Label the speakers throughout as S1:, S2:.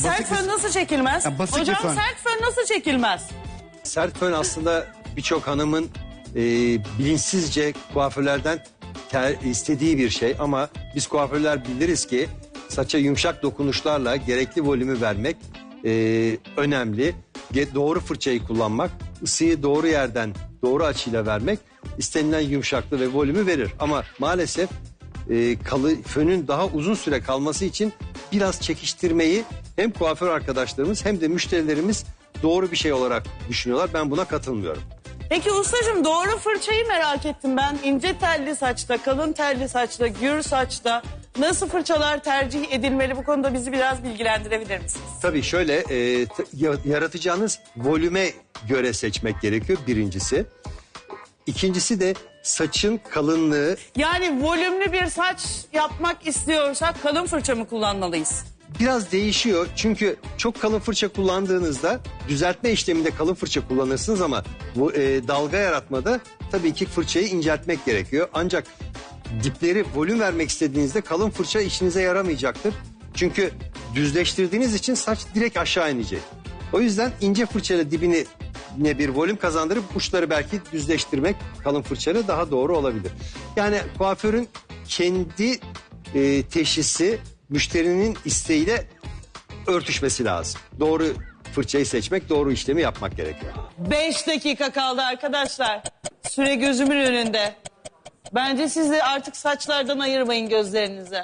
S1: Sert fön nasıl çekilmez?
S2: Ya basit bir
S1: Hocam
S2: fön.
S1: sert fön nasıl çekilmez?
S3: Sert fön aslında birçok hanımın bilinçsizce kuaförlerden istediği bir şey. Ama biz kuaförler biliriz ki saça yumuşak dokunuşlarla gerekli volümü vermek önemli. Doğru fırçayı kullanmak, ısıyı doğru yerden doğru açıyla vermek istenilen yumuşaklığı ve volümü verir. Ama maalesef fönün daha uzun süre kalması için biraz çekiştirmeyi hem kuaför arkadaşlarımız hem de müşterilerimiz doğru bir şey olarak düşünüyorlar. Ben buna katılmıyorum.
S1: Peki ustacığım doğru fırçayı merak ettim ben. İnce telli saçta, kalın telli saçta, gür saçta nasıl fırçalar tercih edilmeli, bu konuda bizi biraz bilgilendirebilir misiniz?
S3: Tabii şöyle yaratacağınız volüme göre seçmek gerekiyor birincisi. İkincisi de saçın kalınlığı.
S1: Yani volümlü bir saç yapmak istiyorsak kalın fırça mı kullanmalıyız?
S3: Biraz değişiyor çünkü çok kalın fırça kullandığınızda düzeltme işleminde kalın fırça kullanırsınız ama bu dalga yaratmada tabii ki fırçayı inceltmek gerekiyor. Ancak dipleri volüm vermek istediğinizde kalın fırça işinize yaramayacaktır. Çünkü düzleştirdiğiniz için saç direkt aşağı inecek. O yüzden ince fırçayla dibine bir volüm kazandırıp uçları belki düzleştirmek kalın fırçayla daha doğru olabilir. Yani kuaförün kendi teşhisi müşterinin isteğiyle örtüşmesi lazım. Doğru fırçayı seçmek, doğru işlemi yapmak gerekiyor.
S1: 5 dakika kaldı arkadaşlar. Süre gözümün önünde. Bence siz de artık saçlardan ayırmayın gözlerinizi.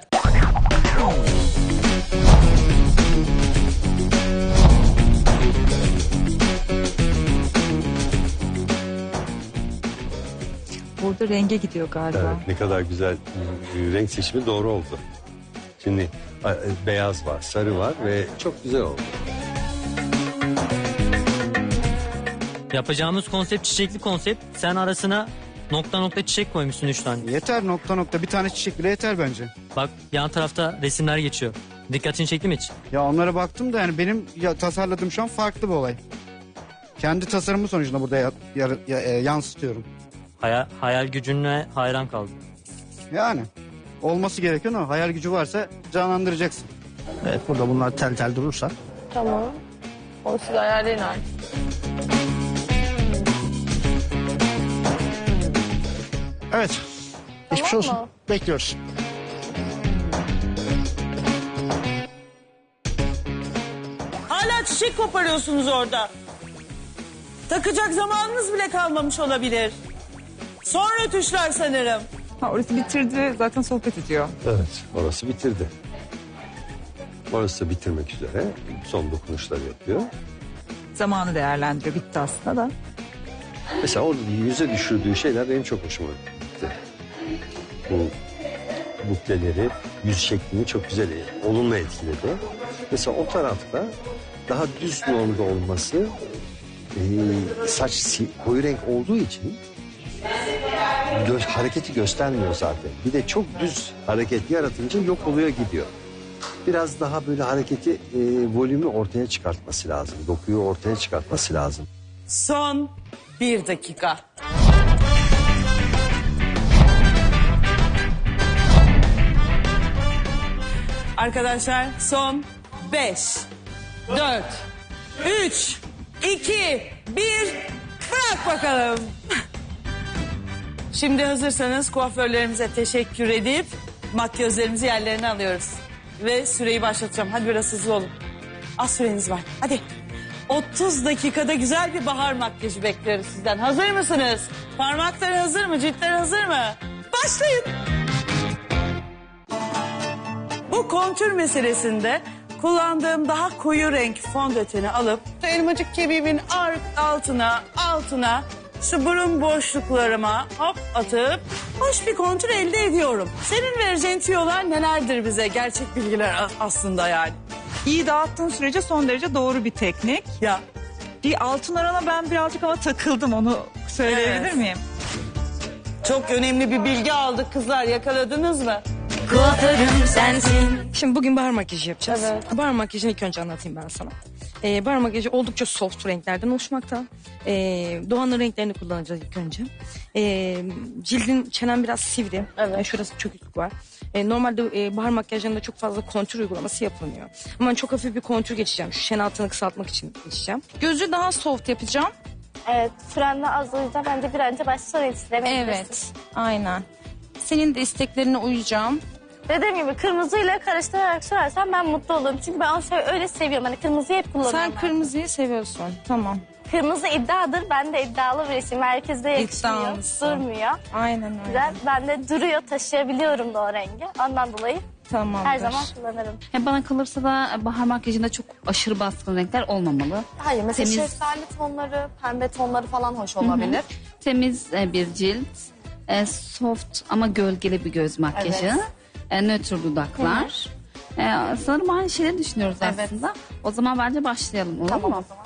S4: Burada renge gidiyor galiba.
S3: Evet, ne kadar güzel renk seçimi doğru oldu. Şimdi beyaz var, sarı var ve çok güzel oldu.
S5: Yapacağımız konsept çiçekli konsept. Sen arasına nokta nokta çiçek koymuşsun 3 tane.
S2: Yeter nokta nokta bir tane çiçek bile yeter bence.
S5: Bak yan tarafta resimler geçiyor. Dikkatini çekti mi hiç?
S2: Ya onlara baktım da yani benim tasarladığım şu an farklı bir olay. Kendi tasarımı sonucunda burada yansıtıyorum.
S5: Hayal gücüne hayran kaldım.
S2: Yani olması gereken o. Hayal gücü varsa canlandıracaksın.
S6: Evet, burada bunlar tel tel durursa.
S7: Tamam. Onu siz ayarlayın artık.
S6: Evet. Geçmiş
S7: Tamam
S6: olsun.
S7: mı?
S6: Bekliyoruz.
S1: Hala çiçek koparıyorsunuz orada. Takacak zamanınız bile kalmamış olabilir. Son rötuşlar sanırım.
S4: Ha, orası bitirdi zaten sohbet ediyor.
S3: Evet, orası bitirdi. Orası da bitirmek üzere son dokunuşları yapıyor.
S4: Zamanı değerlendiriyor, bitti aslında da.
S3: Mesela orada yüze düşürdüğü şeyler benim çok hoşuma gitti. Bu bukleleri, yüz şeklini çok güzel, olumlu etkiledi. Mesela o tarafta daha düz normda olması, saç koyu renk olduğu için hareketi göstermiyor zaten. Bir de çok düz hareket yaratınca yok oluyor gidiyor. Biraz daha böyle hareketi, volümü ortaya çıkartması lazım. Dokuyu ortaya çıkartması lazım.
S1: Son 1 dakika. Arkadaşlar son 5, 4, 3, 2, 1. Bırak bakalım. Şimdi hazırsanız kuaförlerimize teşekkür edip makyözlerimizi yerlerine alıyoruz. Ve süreyi başlatacağım. Hadi biraz hızlı olun. Az süreniz var. Hadi. 30 dakikada güzel bir bahar makyajı bekliyoruz sizden. Hazır mısınız? Parmakları hazır mı? Ciltler hazır mı? Başlayın. Bu kontür meselesinde kullandığım daha koyu renk fondöteni alıp elmacık kemiğimin altına şu burun boşluklarıma hop atıp hoş bir kontür elde ediyorum. Senin vereceğin tüyolar nelerdir bize? Gerçek bilgiler aslında yani.
S4: İyi dağıttığın sürece son derece doğru bir teknik.
S1: Ya
S4: Bir altın orana ben birazcık ama takıldım, onu söyleyebilir
S1: Evet.
S4: miyim?
S1: çok önemli bir bilgi aldık kızlar, yakaladınız mı?
S8: Kuaförüm sensin.
S9: Şimdi bugün bahar makyajı yapacağız.
S7: Evet.
S9: Bahar makyajını ilk önce anlatayım ben sana. Bahar makyajı oldukça soft renklerden oluşmakta. Doğanın renklerini kullanacağız ilk önce. Cildin, çenen biraz sivri.
S7: Evet.
S9: Şurası çöküklük var. Normalde bahar makyajlarında çok fazla kontür uygulaması yapılmıyor. Ama ben çok hafif bir kontür geçeceğim. Şu şen altını kısaltmak için geçeceğim.
S4: Gözü daha soft yapacağım.
S7: Evet, frenle azlayacağım. Bence bir önce başta sonra yetiştiremeyebilirsin.
S4: Evet, aynen. Senin de isteklerine uyacağım.
S7: Dediğim gibi kırmızıyla karıştırarak sürersen ben mutlu olurum. Çünkü ben onu öyle seviyorum. Hani kırmızıyı hep kullanıyorum.
S4: Sen kırmızıyı seviyorsun. Tamam.
S7: Kırmızı iddiadır. Ben de iddialı birisiyim. Herkeste yakışmıyor.
S4: İddialısın.
S7: Durmuyor.
S4: Aynen öyle.
S7: Güzel. Ben de duruyor, taşıyabiliyorum da o rengi. Ondan dolayı
S4: Tamamdır.
S7: her zaman kullanırım.
S10: Bana kalırsa da bahar makyajında çok aşırı baskın renkler olmamalı.
S11: Hayır, mesela
S10: Temiz.
S11: şeftali tonları, pembe tonları falan hoş olabilir.
S10: Temiz bir cilt, soft ama gölgeli bir göz makyajı, nötr dudaklar. Sanırım aynı şeyleri düşünüyoruz
S11: Evet.
S10: aslında. O zaman bence başlayalım, olur
S11: Tamam
S10: mu?
S11: o zaman.